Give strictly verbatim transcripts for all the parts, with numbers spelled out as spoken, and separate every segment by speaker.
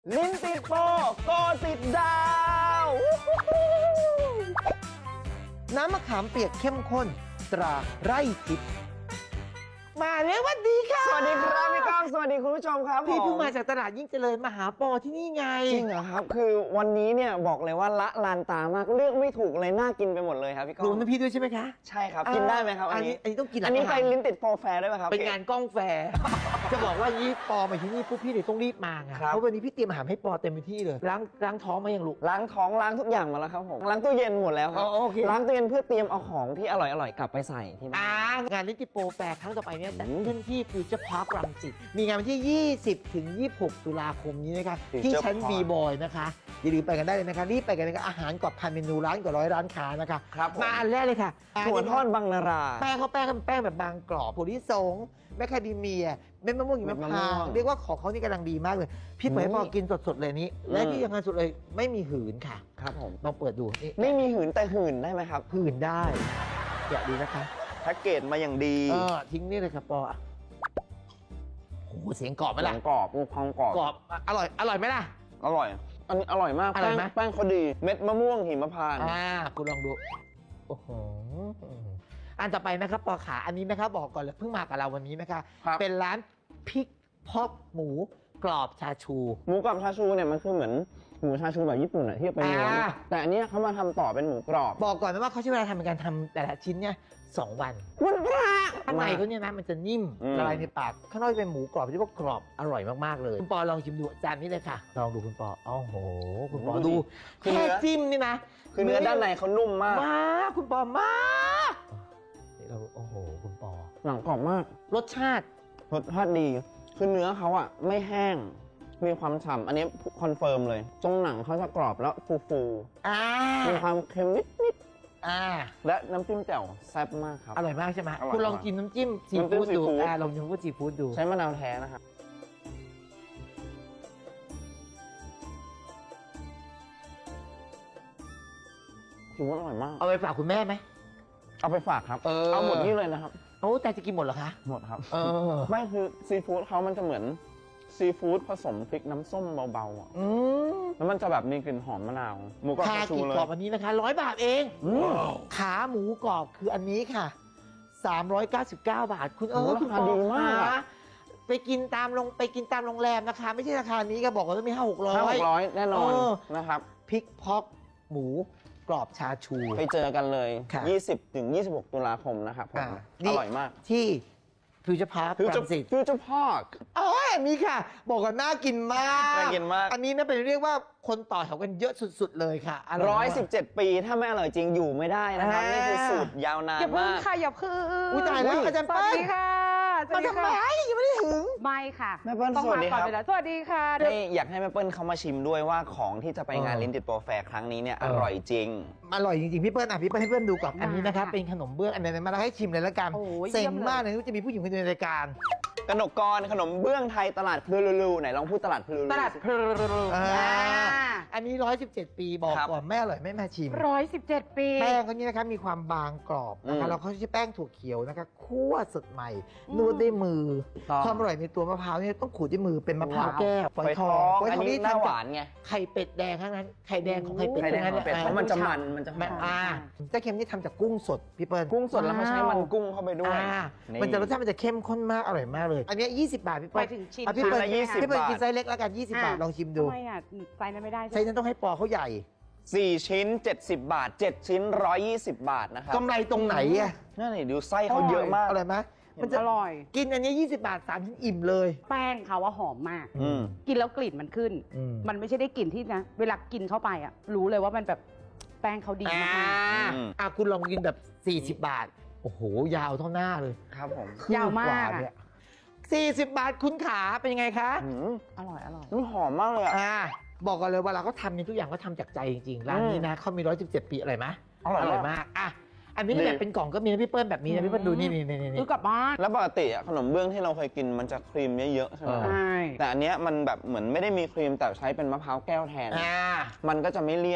Speaker 1: ลิ้นติดโปโกติดดาว
Speaker 2: น้ำมะขามเปียกเข้มข้นตราไร่ทิพย์มาแล้ววัสดีค่ะ
Speaker 1: สวัสดีครับพี่ก้องสวัสดีคุณผู้ชมครับ
Speaker 2: พี่เพิ่งมาจากตลาดยิ่งเจริญมาหาปอที่นี่ไง
Speaker 1: จริงเหรอครับคือวันนี้เนี่ยบอกเลยว่าละลานตามากเลือกไม่ถูกเลยน่ากินไปหมดเลยครับพี่ก้อง
Speaker 2: รวมทั้งพี่ด้วยใช่ไหมคะ
Speaker 1: ใช่ครับกินได้ไหมครับอันนี้
Speaker 2: อันนี้ต้องกิน
Speaker 1: อันนี้ไปลิ้นติดโปรแฟร์ได้ไหมครับ
Speaker 2: เป็นงานกล้องแฟร์ จะบอกว่ายี่ปอมาที่นี่ปุ๊บพี่เลยต้องรีบมาไงเพราะวันนี้พี่เตรียมอาหารให้ปอเต็มที่เลยล้างล้างท้องมาอย่างลูก
Speaker 1: ล้างท้องล้างทุกอย่างมาแล้วครับผมล้างตู้เย็นหมดแล้วครับล้างตู้เย็นเพื่อเตรียมเอาของที่อร่อยๆกลับไปใส่ที่บ้าน
Speaker 2: งานลิ้นติดโปรแฟร์ครั้งต่อไปเนี่ยจัดขึ้นที่ฟิวเจอร์พาร์ครังสิตมีงานวันที่ยี่สิบถึงยี่สิบหกตุลาคมนี้นะคะที่ชั้น บี บอย นะคะอย่าลืมไปกันได้เลยนะคะรีบไปกันเลยนะคะอาหารกว่าพันเมนูร้านกว่าร้อยร้านค้านะคะมาอันแรกเลยค่ะ
Speaker 1: ถั่วทอดบางนารา
Speaker 2: แป้งเขาแป้งเป็นแป้งแบบบางกรอบถั่วลิสงแมคคาเดเมียเม็ดมะม่วงหิมพานต์เรียกว่าของเขานี่กำลังดีมากเลยพี่เปิดให้พอกินสดๆเลยนี้และที่ยังไงสุดเลยไม่มีหืนค่ะ
Speaker 1: ครับผม
Speaker 2: ลองเปิดดูนี่
Speaker 1: ไม่มีหืนแต่หืนได้ไหมครับ
Speaker 2: หืนได้อยากดูนะคะ
Speaker 1: แพ็กเกจมาอย่างดี
Speaker 2: เออทิ้งนี่เลยครับปอโอ้โหเสียงกรอบไหมล่ะ
Speaker 1: เสียงกรอบมีความกรอบ
Speaker 2: กรอบอร่อยอร่อยไหมล่ะ
Speaker 1: อร่อยอันนี้อร่อยมากแป้งแป้งเขาดีเม็ดมะม่วงหิมพานต์
Speaker 2: อ่าคุณลองดูโอ้โหอันต่อไปนะครับปอขาอันนี้นะครับบอกก่อนเลยเพิ่งมากับเราวันนี้นะคะเป็นร้านพริกพอกหมูกรอบชาชู
Speaker 1: หมูกรอบชาชูเนี่ยมันคือเหมือนหมูชาชูแบบญี่ปุ่นอะที่เป็นเนื้อแต่อันนี้เขามาทำต่อเป็นหมูกรอบ
Speaker 2: บอกก่อนนะว่าเขาใช้เวลาทำในการทำแต่ละชิ้นเนี่ยสองวัน
Speaker 1: วันพระ
Speaker 2: ข้างในเขาเนี่ยนะมันจะนิ่มละลายในปากข้างนอกเป็นหมูกรอบที่ว่ากรอบอร่อยมากๆเลยคุณปอลองชิมดูจานนี้เลยค่ะลองดูคุณปอโอ้โหคุณปอดูแค่จิ้มนี่นะ
Speaker 1: คือเนื้อด้านในเขานุ่มมาก
Speaker 2: มากคุณปอมากนี่เราโอ้โหคุณปอ
Speaker 1: หนังกรอบมาก
Speaker 2: รสชาติ
Speaker 1: รสชาติดีคือเนื้อเขาอะไม่แห้งมีความฉ่ำอันนี้คอนเฟิร์มเลยตรงหนังเขาจะกรอบแล้วฟูๆมีความเค็มนิดๆและน้ำจิ้มแจ่วแซ่บมากครับ
Speaker 2: อร่อยมากใช่ไหมคุณลองกินน้ำจิ้มซีฟู้ดดูอ่าลองชิมน้ำจิ้มซีฟู้ดดู
Speaker 1: ใช้มะนาวแท้นะครับถือว่าอร่อยมาก
Speaker 2: เอาไปฝากคุณแม่ไหม
Speaker 1: เอาไปฝากครับเอาหมดนี่เลยนะครับ
Speaker 2: โอ้แต่จะกินหมดเหรอคะ
Speaker 1: หมดครับเออไม่คือซีฟู้ดเขามันจะเหมือนซีฟู้ดผสมพริกน้ำส้มเบาๆอ่ะแล้วมันจะแบบมีกลิ่นหอมมะนาวหมูกรอบชาชูเลย
Speaker 2: กรอบอันนี้นะคะร้อยบาทเองขาหมูกรอบคืออันนี้ค่ะสามร้อยเก้าสิบเก้าบาทคุณเออ
Speaker 1: ราคาดีมาก
Speaker 2: ไปกินตามโรงไปกินตามโรงแรมนะคะไม่ใช่ราคานี้ก็บอกว่าต้องมีห้าหกร้อยห้า
Speaker 1: หกร้อยแน่นอนนะครับ
Speaker 2: พริกพอกหมูกรอบชาชู
Speaker 1: ไปเจอกันเลยยี่สิบถึงยี่สิบหกตุลาคมนะครับอร่อยมาก
Speaker 2: ที่ฟิวเจอร์พาร์ครังสิต
Speaker 1: ฟิวเจอร์พาร์ค
Speaker 2: อ๋อมีค่ะบอกกันน่ากินมาก
Speaker 1: น่ากินมาก
Speaker 2: อันนี้นะเป็นเรียกว่าคนต่อแถวกันเยอะสุดๆเลยค่ะ
Speaker 1: ร้อยสิบเจ็ดปีถ้าไม่อร่อยจริงอยู่ไม่ได้นะครับนี่คือสูตรยาวนานมากอย่า
Speaker 3: เพิ่งค่ะอย่าเพิ่ง
Speaker 2: อุ้ยตายแล้วอาจารย์เปิ้ล
Speaker 3: สวัสดีค่ะ
Speaker 2: มาทำไมยังไม่ได้ถึง
Speaker 3: ไม่ค่ะ
Speaker 1: แม่เปิ้ลสวัสดีครับ
Speaker 3: สวัสดีค่ะ
Speaker 1: นี่อยากให้แม่เปิ้ลเขามาชิมด้วยว่าของที่จะไปงานลิ้นติดโปรแฟร์ครั้งนี้เนี่ยอร่อยจริง
Speaker 2: อร่อยจริงๆพี่เปิ้ลอ่ะพี่เปิ้ลให้เพื่อนดูก่อนอันนี้นะครับเป็นขนมเบื้องอันนี้มาแล้วให้ชิมเลยละกันเซ็งมากเลยที่จะมีผู้หญิงคนนึงในรายการ
Speaker 1: กนกกรขนมเบื้องไทยตลาดพลูลูไหนลองพูดตลาดพลูลู
Speaker 2: ตลาดพลูลูอันนี้ร้อยสิบเจ็ดปีบอกก่อนแม่อร่อยไม่มาชิม
Speaker 3: ร้อยสิบเจ็ดปี
Speaker 2: แป้งเขานี้นะครับมีความบางกรอบนะคะแล้วเขาใช้แป้งถั่วเขียวนะคะคั่วสดใหม่นวดด้วยมือความอร่อยในตัวมะพร้าวเนี่ยต้องขูดด้วยมือเป็นมะพร้าวแก้วฝอยทอง
Speaker 1: อันนี้หน้าหวานไง
Speaker 2: ไข่เป็ดแดงทั้งนั้นไข่แดงของไข่เป็ด
Speaker 1: ทั้งนั้นเพราะมันจะมันมันจะมัน
Speaker 2: อ่าเจ้าเค็มนี่ทำจากกุ้งสดพี่เปิ้ล
Speaker 1: กุ้งสดแล้วเขาใช้มันกุ้งเข้าไปด้วย
Speaker 2: มันจะรสชาติมันจะเข้มข้นมากอร่อยมากเลยอันนี้ยี่สิบบาทพี่เปิ้ล
Speaker 3: ถึงชิ้น
Speaker 2: พี่เปิ้ลพี่เปิ้ลกินไซส์เล็กแล้วกันยี่สิบบาทลองชิมดู
Speaker 3: ทำไมอ่ะไซส์นั้นไม่ได้
Speaker 2: ไซส์นั้นต้องให้ปอเขาใหญ่
Speaker 1: สี่ชิ้นเจ็ดสิบบาทเจ็ดชิ้นหนึ่งร้อยยี่สิบบาทนะครับ
Speaker 2: กำไรตรงไหนอ่ะ
Speaker 1: นั่นนี่ดูไส้เขาเยอะมาก
Speaker 2: อร่อยไหม
Speaker 3: มันจะอร่อย
Speaker 2: กินอันนี้ยี่สิบบาทสามชิ้นอิ่มเลย
Speaker 3: แป้งเขาว่าหอมมากกินแล้วกลิ่นมันขึ้นมันไม่ใช่ได้กลิ่นที่นะเวลากินเข้าไปอ่ะรู้เลยว่ามันแบบแป้งเขาดีมาก
Speaker 2: อ่ะคุณลองกินแบบสี่สิบบาทโอ้โหยาวเท่าหน้าเลย
Speaker 1: ครับผม
Speaker 3: ยาวมาก
Speaker 2: สี่สิบบาทคุณขาเป็นยังไงคะ
Speaker 3: อร่อยอร่อย
Speaker 1: มันหอมมากเลยอ่ะ
Speaker 2: บอกกันเลยเวลาเขาทำเนี่ยทุกอย่างเขาทำจากใจจริงๆร้านนี้นะเขามีร้อยสิบเจ็ดปีอะไรไหมอร่อยมากอ่ะอันนี้แบบเป็นกล่องก็มีนะพี่เปิ้ลแบบนี้นะพี่เปิ้ลดูนี่นี่นี่
Speaker 3: ซื้อกลับบ้าน
Speaker 1: แล้วปกติขนมเบื้องที่เราเคยกินมันจะครีมเยอะๆใช่ไหม
Speaker 3: ใช่
Speaker 1: แต่อันเนี้ยมันแบบเหมือนไม่ได้มีครีมแต่ใช้เป็นมะพร้าวแก้วแทนมันก็จะไม่เลี่ยน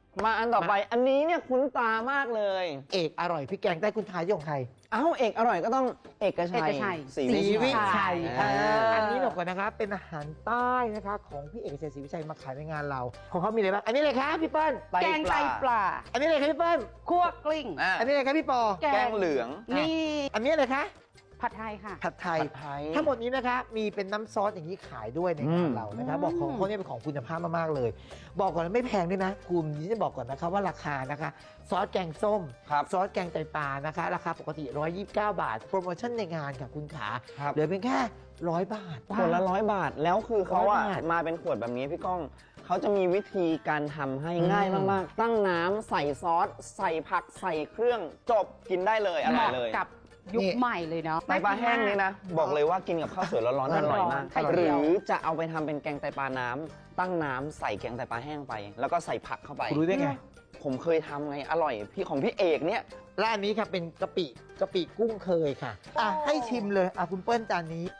Speaker 1: มาอันต่อไปอันนี้เนี่ยคุ้นตามากเลย
Speaker 2: เอกอร่อยพริกแกงใต้คุณทายของใคร
Speaker 1: เอ้าเอกอร่อยก็ต้องเอกชัย
Speaker 3: เอกชัย
Speaker 1: ศรี
Speaker 2: ศรีวิ
Speaker 1: วิ
Speaker 2: ชั
Speaker 1: ชั
Speaker 2: ย
Speaker 1: ย
Speaker 2: อ่า
Speaker 1: อ่า
Speaker 2: อันนี้บอกก่อนนะคะเป็นอาหารใต้นะคะของพี่เอกชัยศรีวิชัยมาขายในงานเรา ของเขามีอะไรบ้างอันนี้เลยครับพี่เปิ้ล
Speaker 3: แกงไตปลา
Speaker 2: อันนี้เลยครับพี่เปิ้ล
Speaker 3: คั่วกลิ้ง
Speaker 1: อ่ะ
Speaker 2: อันนี้เลยครับพี่ปอ
Speaker 1: แกงเหลือง
Speaker 3: นี่
Speaker 2: อันนี้เลยคะ
Speaker 3: ผัดไทยค่ะ
Speaker 2: ผัดไทย
Speaker 1: ผัดไทย
Speaker 2: ทั้งหมดนี้นะคะมีเป็นน้ำซอสอย่างนี้ขายด้วยในงานเรานะคะ
Speaker 3: อืม
Speaker 2: บอกของเขาเนี่ยเป็นของคุณภาพมากๆเลย บอกก่อนนะไม่แพงด้วยนะกลุ่มนี้จะบอกก่อนนะคะว่าราคานะคะ ซอสแกงส้ม
Speaker 1: ครับ
Speaker 2: ซอสแกงไตปลานะคะ ราคาปกติหนึ่งร้อยยี่สิบเก้าบาท โปรโมชั่นในงานค่ะคุณขา
Speaker 1: ครับ
Speaker 2: เหลือเพียงแค่ร้อยบาท
Speaker 1: ขวดละร้อยบาทแล้วคือเขาอะ
Speaker 2: ร้อยบาท
Speaker 1: มาเป็นขวดแบบนี้พี่ก้องเขาจะมีวิธีการทำให้
Speaker 2: อืม
Speaker 1: ง่ายมากๆ ตั้งน้ำใส่ซอส ใส่ผักใส่เครื่องจบกินได้เลยอ
Speaker 3: เห
Speaker 1: ร่อย
Speaker 3: มาะ
Speaker 1: เลย
Speaker 3: กับยุคใหม่เลยเนาะ
Speaker 1: ไตปลาแห้งนี่นะ บอกเลยว่ากินกับข้าวสวยร้อนๆอร่อยมาก
Speaker 3: ไข่
Speaker 1: ห
Speaker 3: เจี
Speaker 1: รื
Speaker 3: ยว
Speaker 1: อจะเอาไปทำเป็นแกงไตปลาน้ำตั้งน้ำใส่แกงไตปลาแห้งไป แล้วก็ใส่ผักเข้าไป
Speaker 2: คุณรู้ได้ไง
Speaker 1: ผมเคยทำไงอร่อยพี่ของพี่เอกเนี่ย
Speaker 2: และอันนี้ค่ะเป็นกะปิกะปิกุ้งเคยค่ะอ่ะให้ชิมเลยอ่ะคุณเปิ้ลจานนี้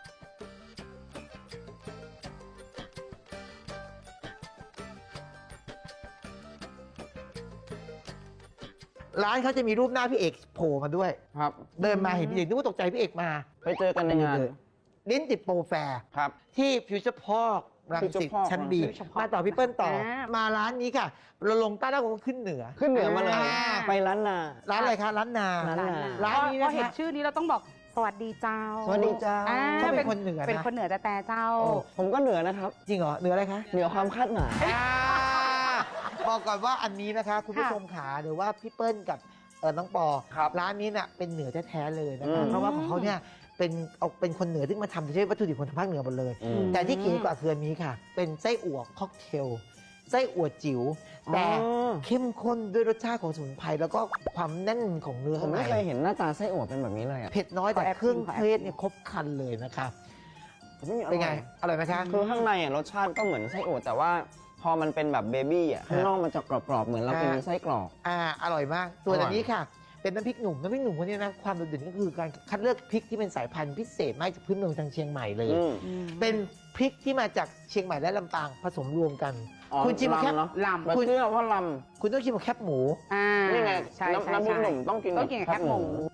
Speaker 2: ร้านเขาจะมีรูปหน้าพี่เอกโผล่มาด้วย
Speaker 1: ครับ
Speaker 2: เดินมาเห็นพี่เอกนึกว่าตกใจพี่เอกมา
Speaker 1: ไปเจอกันในงาน
Speaker 2: ลิ้นติดโปรแฟร์
Speaker 1: ครับ
Speaker 2: ที่ฟิวเจอร์พอร์กรังสิต
Speaker 1: Future Park
Speaker 2: ชั้นบี
Speaker 3: Future Park
Speaker 2: มาต่อพี่เปิ้ลต่อ
Speaker 3: อ่า
Speaker 2: มาร้านนี้ค่ะ เราลงใต้แล้วก็ขึ้นเหนือ
Speaker 1: ขึ้นเหนือมาเลย
Speaker 2: อ่า
Speaker 1: ไปร้านนา
Speaker 2: ร้านอะไรคะร้านนา
Speaker 1: ร้านนา
Speaker 2: ร้านนี้
Speaker 3: พอ
Speaker 2: นะ
Speaker 3: เห็น
Speaker 2: คะ
Speaker 3: ชื่อนี้เราต้องบอกสวัสดีเจ้า
Speaker 1: สวัสดีเจ้า
Speaker 3: อ่
Speaker 2: เขาเป็นคนเหนือนะ
Speaker 3: เป็นคนเหนือแต่แต่เจ้า
Speaker 2: โอ้
Speaker 1: ผมก็เหนือนะครับ
Speaker 2: จริงเหรอเหนืออะไรคะ
Speaker 1: เหนือความคาดหมาย
Speaker 2: อ่าบอกก่อนว่าอันนี้นะคะ คุณผู้
Speaker 3: ค่ะ
Speaker 2: ชมขาหรือว่าพี่เปิ้ลกับเออน้องปอ
Speaker 1: ครับ
Speaker 2: ร้านนี้น่ะเป็นเหนือแท้ๆเลยนะ
Speaker 1: อื
Speaker 2: คะ
Speaker 1: ม
Speaker 2: เพราะว่าของเขาเนี่ยเป็นเอาเป็นคนเหนือที่มาทำใช้วัตถุดิบคนทางภาคเหนือหมดเลย
Speaker 1: อืม
Speaker 2: แต่ที่เก๋กว่าคืออันนี้ค่ะ เป็นไส้อั่วค็อกเทลไส้อั่วจิ๋วแต่
Speaker 1: อ๋อ
Speaker 2: เข้มข้นด้วยรสชาติของสมุนไพรแล้วก็ความแน่นของเนื้อ
Speaker 1: ผม
Speaker 2: ข้างใน
Speaker 1: ไม่เคยเห็นหน้าตาไส้อั่วเป็นแบบนี้เลยอ่ะ
Speaker 2: เผ็ดน้อยแต่
Speaker 3: ขอแอบ
Speaker 2: เครื่อง
Speaker 3: ชิมขอแอบ
Speaker 2: เทศเนี่ยครบครันเลยนะคะ
Speaker 1: อืมอร่อย
Speaker 2: เป็นไงอร่อยไหมคะ
Speaker 1: คือข้างในอ่ะรสชาติก็เหมือนไส้อั่วแต่ว่าพอมันเป็นแบบเบบี้อ่ะข้างนอกมันจะกรอบๆเหมือนเรากิน
Speaker 2: อ่า
Speaker 1: ไส้กรอก
Speaker 2: อ่าอร่อยมากส่วน
Speaker 1: อร่อย
Speaker 2: อันนี้ค่ะ เป็นน้ำพริกหนุ่มน้ำพริกหนุ่มคนนี้นะความโดดเด่นก็คือการคัดเลือกพริกที่เป็นสายพันธุ์พิเศษมาจากพื้นเมืองทางเชียงใหม่เลย
Speaker 1: อืม
Speaker 2: เป็นพริกที่มาจากเชียงใหม่และลำปางผสมรวมกัน
Speaker 1: อ๋อ
Speaker 2: คุณชิมแค่
Speaker 1: ลำเนาะ
Speaker 3: ลำ
Speaker 1: แบบเชื่อว่าล
Speaker 2: คุณต้องชิมกับแคบหมู
Speaker 3: อ่า
Speaker 1: ำนี่ไง
Speaker 3: ใช่
Speaker 1: น้ำ
Speaker 3: ใช่
Speaker 1: น้ำพริก
Speaker 3: ใช่
Speaker 1: หนุ่มต้องกิน
Speaker 3: ต้องกินกับแคบหมู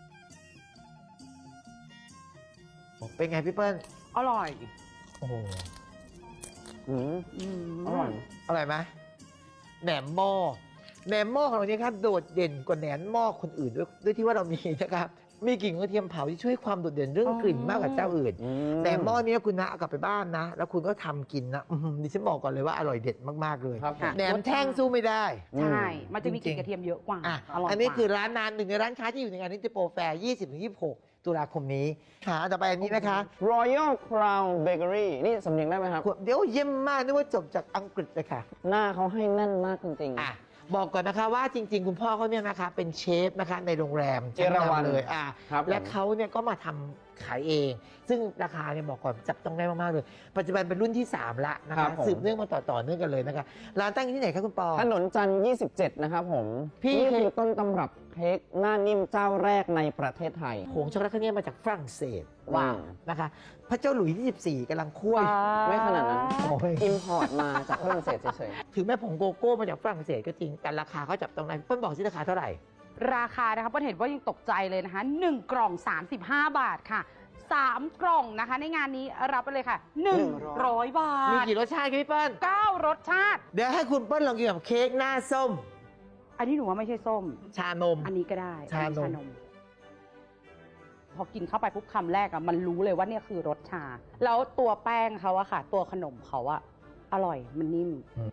Speaker 2: เป็นไงพี่เปิ้ล
Speaker 3: อร่อย
Speaker 2: โอ้โห
Speaker 1: อืม
Speaker 3: ม
Speaker 1: อร่อย
Speaker 2: อร่อยไหมแหนมหม้อแหนมหม้อของเราเนี่ยครับโดดเด่นกว่าแหนมหม้อคนอื่นด้วยด้วยที่ว่าเรามีนะครับมีกลิ่นกระเทียมเผาที่ช่วยความโดดเด่นเรื่องกลิ่นมากกว่าเจ้าอื่น
Speaker 1: อื
Speaker 2: แหนมหม้อนี้คุณนะเอากลับไปบ้านนะ แล้วคุณก็ทำกินนะอื้อหือดิฉันบอกก่อนเลยว่าอร่อยเด็ดมากๆเลย
Speaker 1: ครับผม
Speaker 2: แหนมแท่งสู้ไม่ได้
Speaker 3: ใช่ มันจะมีกลิ่นกระเทียมเยอะกว่า
Speaker 2: อ่ะ
Speaker 3: อร่อย
Speaker 2: อันนี้
Speaker 3: กว่า
Speaker 2: คือร้านนานหนึ่งในร้านค้าที่อยู่ในงานนิติโปรแฟร์ ยี่สิบถึงยี่สิบหก ตุลาคมนี้หาต่อไปอันนี้นะคะ
Speaker 1: Royal Crown Bakery นี่สำเนียงได้ไหมครับ
Speaker 2: เดี๋ยวเยี่ยมมากนึกว่าจบจากอังกฤษเลยค่ะ
Speaker 1: หน้าเขาให้แน่นมากจริง
Speaker 2: อ่ะบอกก่อนนะคะว่าจริง ๆ คุณพ่อเขาเนี่ยนะคะเป็นเชฟนะคะในโรงแรม
Speaker 1: เอราวัณ
Speaker 2: ชั้นนำเลยอ่ะ
Speaker 1: ครับ
Speaker 2: และ
Speaker 1: ผม
Speaker 2: เขาเนี่ยก็มาทำขายเอง ซึ่งราคาเนี่ยบอกก่อนจับต้องได้มาก ๆ เลย ปัจจุบันเป็นรุ่นที่ สาม ละนะ
Speaker 1: ครั
Speaker 2: คะ
Speaker 1: บผม
Speaker 2: สืบเนื่องมาต่อต่อเนื่องกันเลยนะคะร้านตั้งอยู่ที่ไหนคะคุณปอ
Speaker 1: ถนนจันทร์ยี่สิบเจ็ด นะครับผม
Speaker 2: พี่
Speaker 1: นี่คือต้นตำรับเค้กหน้านิ่มเจ้าแรกในประเทศไทย
Speaker 2: ผงช็อกโกแลตเขาเนี่ยมาจากฝรั่งเศส
Speaker 1: ว้าว
Speaker 2: นะคะ พระเจ้าหลุยส์ที่สิบสี่กำลังคั่ว
Speaker 1: ไม่ขนาดนั้น
Speaker 2: โอ้ย
Speaker 1: อิมพอร์ตมาจากฝรั่งเศสเฉย
Speaker 2: ถึงแม้ผงโกโก้มาจากฝรั่งเศสก็จริงแต่ราคาเขาจับต้องได้เปิ้ลบอกสิราคาเท่าไหร่
Speaker 3: ราคานะคะเปิ้ลเห็นว่ายังตกใจเลยนะคะหนึ่งกล่อง สามสิบห้า บาทค่ะสามกล่องนะคะ ในงานนี้รับไปเลยค่ะหนึ่งร้อยบา
Speaker 2: มี
Speaker 3: ท
Speaker 2: กี่รสชาติคะพี่เปิ้ล
Speaker 3: เก้ารสชาติ
Speaker 2: เดี๋ยวให้คุณเปิ้ลลองกินกับเค้กหน้าส้ม
Speaker 3: อันนี้หนูว่าไม่ใช่ส้ม
Speaker 2: ชานม
Speaker 3: อันนี้ก็ได้
Speaker 2: ชานม
Speaker 3: อันนี้พอกินเข้าไปปุ๊บคำแรกอะมันรู้เลยว่าเนี่ยคือรสชา แล้วตัวแป้งเขาอะค่ะ ตัวขนมเขาอะอร่อยมันนิ่ม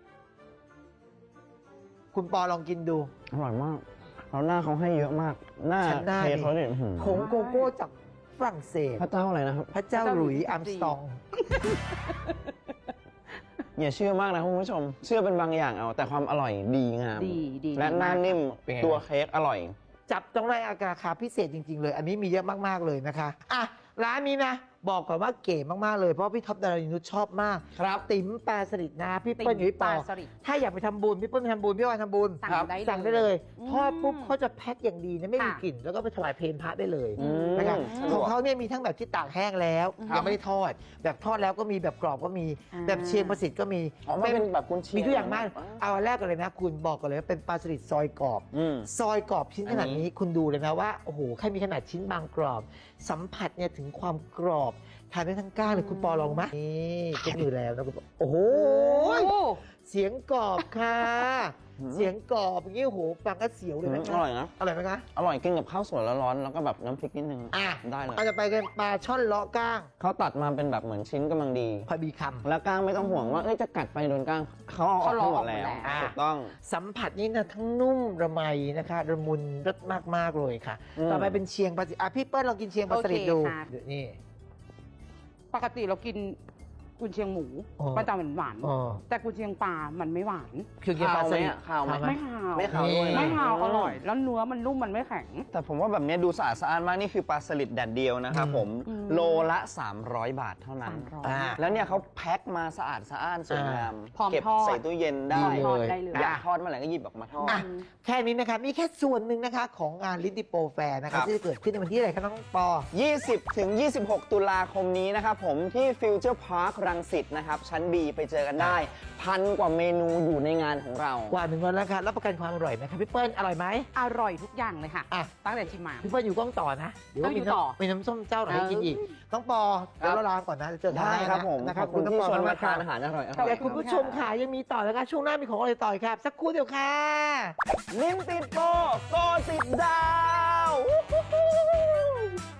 Speaker 2: คุณปอลองกินดู
Speaker 1: ๆ อร่อยมากแล้วหน้าเขาให้เยอะมาก หน้า
Speaker 2: ชั้นหน้า
Speaker 1: เค้ก
Speaker 2: ดิ
Speaker 1: เขาเนี่ยอื้อหือ
Speaker 2: ผงโกโก้จากฝรั่งเศส
Speaker 1: พระเจ้าอะไรนะครับ
Speaker 2: พระเจ้าหลุยส์อัมสตอง
Speaker 1: อย่าเชื่อมากนะคุณผู้ชม เชื่อเป็นบางอย่างเอา แต่ความอร่อยดีงาม
Speaker 3: ดีดี
Speaker 1: และหน้านิ่ม
Speaker 2: เป็นไง
Speaker 1: ตัวเค้กอร่อย
Speaker 2: จับต้องได้ราคาพิเศษจริง ๆ เลย อันนี้มีเยอะมาก ๆ เลยนะคะ อ่ะ ร้านนี้นะบอกก่อนว่าเก๋มากๆเลยเพราะพี่ท็อปดารานุชชอบมาก
Speaker 1: ครับ
Speaker 2: ติ๋มปลาสลิดนะพี่เปิ้ลอยู่พี่ป
Speaker 3: ป
Speaker 2: อ
Speaker 3: ลาสลิด
Speaker 2: ถ้าอยากไปทำบุญพี่เปิ้ลไปทำบุญพี่วานทำบุญ
Speaker 3: สั่
Speaker 1: ครั
Speaker 3: ง
Speaker 1: บ
Speaker 3: ได้เลย
Speaker 2: สั่งได้เลย
Speaker 3: อืม
Speaker 2: ทอดปุ๊บเขาจะแพ็คอย่างดีนะไม่มี
Speaker 3: ค่ะ
Speaker 2: กลิ่นแล้วก็ไปถวายเพลพระได้เลย
Speaker 1: อืม
Speaker 2: นะครับ
Speaker 1: สะด
Speaker 2: ข
Speaker 1: ว
Speaker 2: อง
Speaker 1: ก
Speaker 2: เขาเนี่ยมีทั้งแบบที่ตากแห้งแล้ว
Speaker 3: ครับ
Speaker 2: ยังไม่ได้ทอด แบบทอดแล้วก็มีแบบกรอบก็มี
Speaker 3: อ่า
Speaker 2: แบบเชียงประสิทธิ์ก็มี
Speaker 1: อ๋อมันเป็นแบบกุนเชียง
Speaker 2: มีทุกอย่างมากเอาอันแรกกันเลยนะ คุณบอกกันเลยว่าเป็นปลาสลิดซอยกรอบ
Speaker 1: อืม
Speaker 2: ซอยกรอบชิ้นขนาด
Speaker 1: อันนี้
Speaker 2: นี้คุณดูเลยนะว่าโอ้โหแค่มีขนาดชิ้นบางกรอบ สัมผัสเนี่ยถึงความกรอบทานได้ทั้งก้านเลยคุณปอลองไหมนี่ก็อยู่แล้วนะคุณปอโอ้โห
Speaker 3: โอ้โห
Speaker 2: เสียงกรอบค่ะ
Speaker 1: อืม
Speaker 2: เสียงกรอบอย่างนี้โอ้โหฟังก็เสียวเลย
Speaker 1: อื
Speaker 2: นะ
Speaker 1: ม
Speaker 2: คะ
Speaker 1: อร่อยนะ
Speaker 2: อร่อยไหมคะ
Speaker 1: อร่อยกินกับข้าวสวยร้อนๆแล้วก็แบบน้ำพริกนิดนึง
Speaker 2: อ่ะ
Speaker 1: ได้เลย
Speaker 2: อาจจะไปกันปลาช่อนเลาะก้าง
Speaker 1: เขาตัดมาเป็นแบบเหมือนชิ้นกำลังดี
Speaker 2: พอดีคำ
Speaker 1: แล้วก้างไม่ต้องห่วงว่าเอ้ยจะกัดไปโดนก้างเขาเอาออก
Speaker 3: เขาล
Speaker 1: ทั้
Speaker 3: อง
Speaker 1: งหม
Speaker 3: ออ
Speaker 1: ด
Speaker 3: กหมด
Speaker 1: แล้ว
Speaker 3: แล้ว
Speaker 1: ถูกต้อง
Speaker 2: สัมผัสนี่นะทั้งนุ่มระไมนะคะระมุนรสมาก ๆ เลยค่ะ
Speaker 1: อืม
Speaker 2: ต่อไปเป็นเชียงปลาสลิดอ่ะพี่เปิ้ลลองกินเชียงปลาสลิด
Speaker 3: โอเค
Speaker 2: ดู
Speaker 3: ค่ะ
Speaker 2: เดี๋ยวนี่
Speaker 3: ปกติเรากินกุนเชียงหมู
Speaker 2: อ๋อ
Speaker 3: มันจะหวาน
Speaker 2: อ๋อ
Speaker 3: ๆแต่กุนเชียงปลามันไม่หวาน
Speaker 2: คือกินปลาสลิด
Speaker 1: ขาวไหม
Speaker 3: ไม่ขาว
Speaker 1: ไม่ขาวด้วยนะ
Speaker 3: ไม่ขาวอร่อย แล้วเนื้อมันนุ่มมันไม่แข็ง
Speaker 1: แต่ผมว่าแบบเนี้ยดูสะอาดสะอ้านมากนี่คือปลาสลิดแดดเดียวนะครับผม
Speaker 3: อืม
Speaker 1: โลละ สามร้อย บาทเท่านั้น
Speaker 3: สามร้อย
Speaker 2: อ่า
Speaker 1: แล้วเนี่ยเขาแพ็คมาสะอาดสะอ้านสวยงาม
Speaker 3: พร้อม
Speaker 1: เก็บ
Speaker 3: ทอด
Speaker 1: ใส่ตู้เย็นได้
Speaker 2: ดี
Speaker 3: ทอด
Speaker 2: เลย
Speaker 3: ได้เลย
Speaker 1: อยากทอดเมื่อไหร่ก็หยิบออกมาทอด
Speaker 2: อ่ะ แค่นี้นะคะมีแค่ส่วนหนึ่งนะคะของงานลิดดิโปแฟร์นะ
Speaker 1: ครั
Speaker 2: คะ
Speaker 1: บ
Speaker 2: ที่จะเกิดขึ้นในวันที่อะไรคะน้องปอ
Speaker 1: ยี่สิบถึงยี่สิบหก ตุลาคมนี้นะครับผมที่ฟิวเจอร์พาร์ครังสิตนะครับชั้น B ไปเจอกันได้ พันกว่าเมนูอยู่ในงานของเรา
Speaker 2: กว่าหนึ่งวันแล้วค่ะรับประกันความอร่อยไหมคะพี่เปิ้ลอร่อยไหม
Speaker 3: อร่อยทุกอย่างเลยค่ะ
Speaker 2: อ่ะ
Speaker 3: ตั้งแต่ชิมมา
Speaker 2: พี่เปิ้ลอยู่กล้องต่อนะเดี๋ยวว่า
Speaker 3: ต้องอยู่
Speaker 2: มีน้ำ
Speaker 3: ต่อ
Speaker 2: มีน้ำส้มเจ้าไหนให้กินอีกน้องปอเดี๋ยวเราลาก่อนนะเจอกัน
Speaker 1: ได้ครับผม
Speaker 2: นะค
Speaker 1: ข
Speaker 2: รั
Speaker 1: อ
Speaker 2: บบ
Speaker 1: คุณ
Speaker 2: น้อง
Speaker 1: ที่
Speaker 2: ปอ
Speaker 1: ชวนมา
Speaker 2: มากๆ
Speaker 1: ทาน
Speaker 2: ค่ะ
Speaker 1: อาหารอร่อยๆ
Speaker 2: แต่คุณผู้ชมค่ะยังมีต่อนะคะช่วงหน้ามีของอร่อยต่อยครับ สักครู่เดียวค่ะ
Speaker 1: ลิ้นติดโปรโกติดดาว